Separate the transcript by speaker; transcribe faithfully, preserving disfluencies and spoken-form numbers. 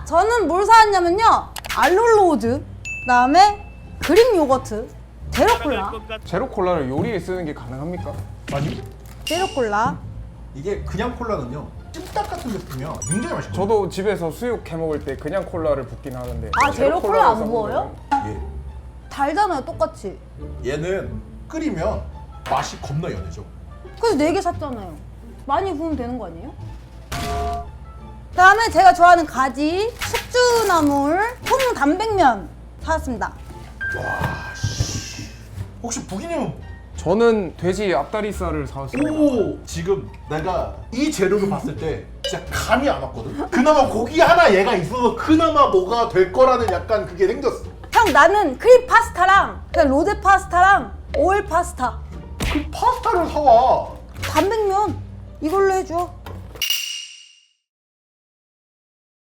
Speaker 1: 저는 뭘 사왔냐면요. 알룰로즈, 그다음에 그릭 요거트, 제로콜라.
Speaker 2: 제로 콜라를 요리에 쓰는 게 가능합니까?
Speaker 3: 아니
Speaker 1: 제로콜라.
Speaker 3: 이게 그냥 콜라는요 찜닭 같은 데 뿌면 굉장히 맛있거든요.
Speaker 2: 저도 집에서 수육 해 먹을 때 그냥 콜라를 붓긴 하는데.
Speaker 1: 아, 제로 콜라 안
Speaker 2: 콜라를
Speaker 1: 부어요?
Speaker 3: 예.
Speaker 1: 달잖아요, 똑같이.
Speaker 3: 얘는 끓이면 맛이 겁나 연해져.
Speaker 1: 그래서 네 개 샀잖아요. 많이 부으면 되는 거 아니에요? 그다음에 제가 좋아하는 가지, 숙주나물, 통단백면 사왔습니다.
Speaker 3: 와 씨. 혹시 부기님은
Speaker 2: 저는 돼지 앞다리살을 사왔습니다.
Speaker 3: 오 지금 내가 이 재료를 봤을 때 진짜 감이 안 왔거든. 그나마 고기 하나 얘가 있어서 그나마 뭐가 될 거라는 약간 그게 생겼어.
Speaker 1: 형, 나는 크림 파스타랑 그냥 로제 파스타랑 오일 파스타,
Speaker 3: 그 파스타를 사와.
Speaker 1: 단백면 이걸로 해줘.